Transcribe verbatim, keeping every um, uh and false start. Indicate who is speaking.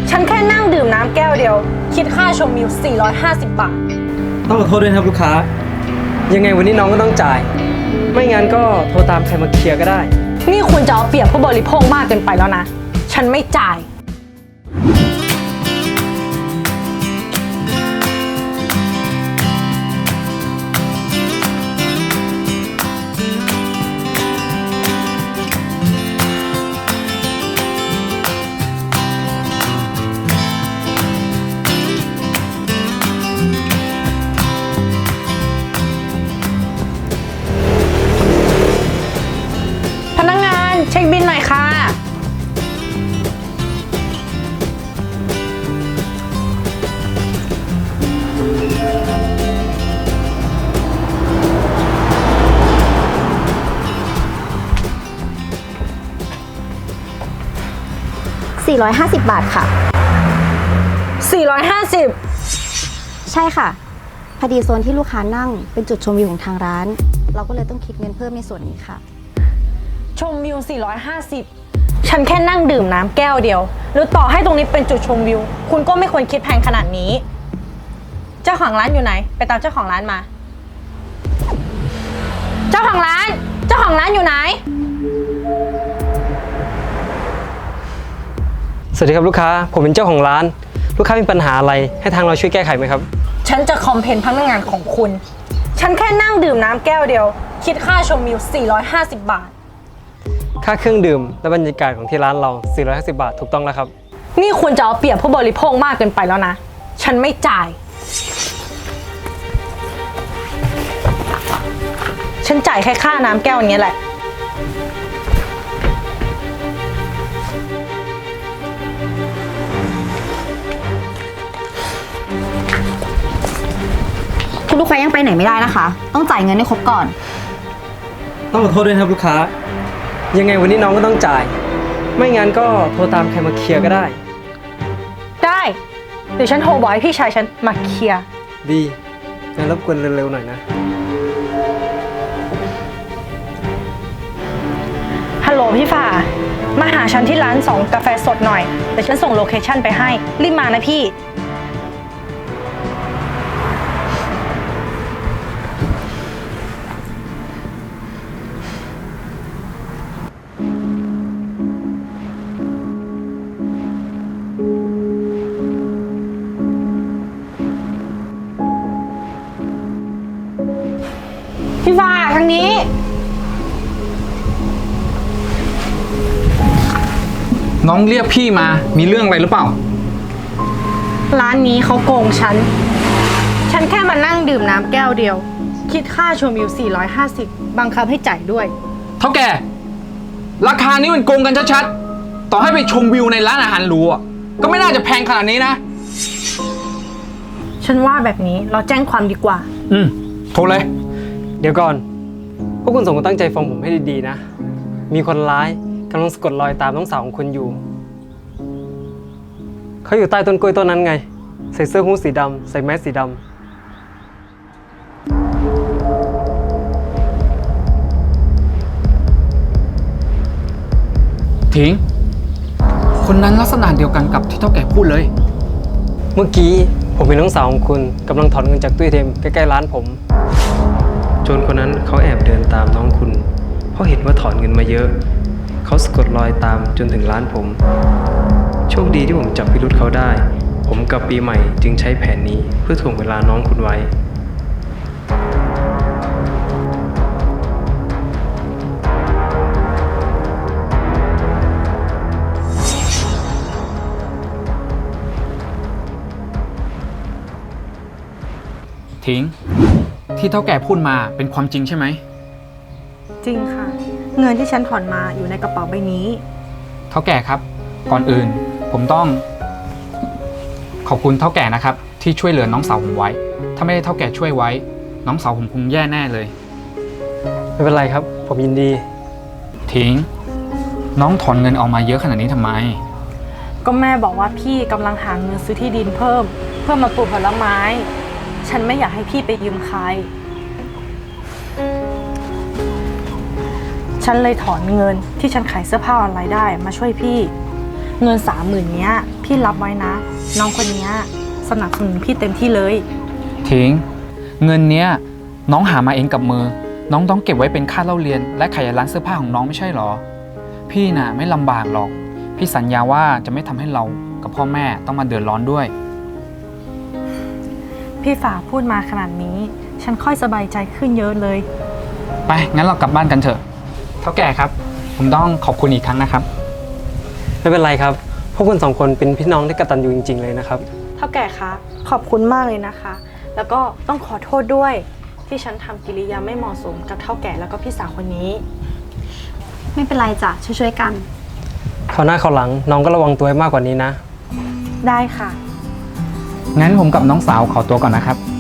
Speaker 1: ฉันแค่นั่งดื่มน้ำแก้วเดียวคิดค่าชมวิวสี่ร้อยห้าสิบบาท
Speaker 2: ต้องขอโทษด้วยนะครับลูกค้ายังไงวันนี้น้องก็ต้องจ่ายไม่งั้นก็โทรตามใครมาเคลียร์ก็ได้
Speaker 1: นี่คุณจะเอาเปรียบผู้บริโภคมากเกินไปแล้วนะฉันไม่จ่ายพนักงานเช็คบิลหน่อยค่ะ
Speaker 3: สี่ร้อยห้าสิบบาทค่ะ
Speaker 1: สี่ร้อยห้าสิบ
Speaker 3: ใช่ค่ะพอดีโซนที่ลูกค้านั่งเป็นจุดชมวิวของทางร้านเราก็เลยต้องคิดเงินเพิ่มในส่วนนี้ค่ะ
Speaker 1: ชมวิวสี่ร้อยห้าสิบฉันแค่นั่งดื่มน้ำแก้วเดียวหรือต่อให้ตรงนี้เป็นจุดชมวิวคุณก็ไม่ควรคิดแพงขนาดนี้เจ้าของร้านอยู่ไหนไปตามเจ้าของร้านมาเจ้าของร้านเจ้าของร้านอยู่ไหน
Speaker 2: สวัสดีครับลูกค้าผมเป็นเจ้าของร้านลูกค้ามีปัญหาอะไรให้ทางเราช่วยแก้ไขไหมครับ
Speaker 1: ฉันจะคอมเพลนพนักงานของคุณฉันแค่นั่งดื่มน้ำแก้วเดียวคิดค่าชมวิวสี่ร้อยห้าสิบบาท
Speaker 2: ค่าเครื่องดื่มและบรรยากาศของที่ร้านเราสี่ร้อยห้าสิบบาทถูกต้องแล้วครับ
Speaker 1: นี่คุณจะเอาเปรียบผู้บริโภคมากเกินไปแล้วนะฉันไม่จ่ายฉันจ่ายแค่ค่าน้ำแก้วนี้แหละ
Speaker 3: คุณลูกค้ายังไปไหนไม่ได้นะคะต้องจ่ายเงินให้ครบก่อน
Speaker 2: ต้องขอโทษด้วยนะครับลูกค้ายังไงวันนี้น้องก็ต้องจ่ายไม่งั้นก็โทรตามใครมาเคลียร์ก็ได้
Speaker 1: ได้เดี๋ยวฉันโทรบอกให้พี่ชายฉันมาเคลียร์
Speaker 2: ดีงั้นรบกวนเร็วๆหน่อยนะ
Speaker 1: ฮัลโหลพี่ฝ่ามาหาฉันที่ร้านสองกาแฟสดหน่อยเดี๋ยวฉันส่งโลเคชั่นไปให้รีบมานะพี่พี่ฟ้าทางนี้
Speaker 4: น้องเรียกพี่มามีเรื่องอะไรหรือเปล่า
Speaker 1: ร้านนี้เขาโกงฉันฉันแค่มานั่งดื่มน้ำแก้วเดียวคิดค่าชมวิวสี่ร้อยห้าสิบบังคับให้จ่ายด้วย
Speaker 4: เท่าแก่ราคานี้มันโกงกันชัดๆต่อให้ไปชมวิวในร้านอาหารหรูก็ไม่น่าจะแพงขนาดนี้นะ
Speaker 1: ฉันว่าแบบนี้เราแจ้งความดีกว่า
Speaker 4: อืมโทรเลย
Speaker 2: เดี๋ยวก่อนพวกคุณสองคนตั้งใจฟังผมให้ดีๆนะมีคนร้ายกำลังสะกดรอยตามน้องสาวของคุณอยู่เขาอยู่ใต้ต้นกล้วยต้นนั้นไงใส่เสื้อฮู้ดสีดำใส่แมสสีด
Speaker 4: ำถิงคนนั้นลักษณะเดียวกันกับที่เท่าแก่พูดเลย
Speaker 2: เมื่อกี้ผมเห็นน้องสาวของคุณกำลังถอนเงินจากตู้เอ ที เอ็มใกล้ๆร้านผมโจรคนนั้นเขาแอบเดินตามน้องคุณเพราะเห็นว่าถอนเงินมาเยอะเขาสะกดรอยตามจนถึงร้านผมโชคดีที่ผมจับพิรุธเขาได้ผมกับปีใหม่จึงใช้แผนนี้เพื่อถ่วงเวลาน้องคุณไว้
Speaker 4: ถิงที่เท่าแก่พูดมาเป็นความจริงใช่ไหม
Speaker 1: จริงค่ะเงินที่ฉันถอนมาอยู่ในกระเป๋าใบนี้
Speaker 4: เท่าแก่ครับก่อนอื่นผมต้องขอบคุณเท่าแก่นะครับที่ช่วยเหลือน้องสาวผมไว้ถ้าไม่ได้เท่าแก่ช่วยไว้น้องสาวผมคงแย่แน่เลย
Speaker 2: ไม่เป็นไรครับผมยินดี
Speaker 4: ถิงน้องถอนเงินออกมาเยอะขนาดนี้ทำไม
Speaker 1: ก็แม่บอกว่าพี่กำลังหาเงินซื้อที่ดินเพิ่มเพื่อมาปลูกผลไม้ฉันไม่อยากให้พี่ไปยืมใครฉันเลยถอนเงินที่ฉันขายเสื้อผ้าออนไลน์ได้มาช่วยพี่เงินสามหมื่นเนี้ยพี่รับไว้นะ น้องคนเนี้ยสนับสนุนพี่เต็มที่เลย
Speaker 4: ทิ้ง เงินเนี้ยน้องหามาเองกับมือ น้องต้องเก็บไว้เป็นค่าเล่าเรียน และขายร้านเสื้อผ้าของน้องไม่ใช่หรอ พี่น่ะไม่ลำบากหรอก พี่สัญญาว่าจะไม่ทำให้เรากับพ่อแม่ต้องมาเดือดร้อนด้วย
Speaker 1: พี่ฝาพูดมาขนาดนี้ ฉันค่อยสบายใจขึ้นเยอะเลย
Speaker 4: ไปงั้นเรากลับบ้านกันเถอะเท่าแก่ครับ ผมต้องขอบคุณอีกครั้งนะครับ
Speaker 2: ไม่เป็นไรครับ พวกคุณสองคนเป็นพี่น้องที่กตัญญูจริงๆเลยนะครับ
Speaker 1: เท่าแก่คะขอบคุณมากเลยนะคะ แล้วก็ต้องขอโทษด้วย ที่ฉันทำกิริยาไม่เหมาะสมกับเท่าแก่แล้วก็พี่สาวคนนี้
Speaker 3: ไม่เป็นไรจ้ะช่วยๆกัน
Speaker 2: คราวหน้าคราวหลังน้องก็ระวังตัวให้มากกว่านี้นะ
Speaker 1: ได้ค่ะ
Speaker 4: งั้นผมกับน้องสาวขอตัวก่อนนะครับ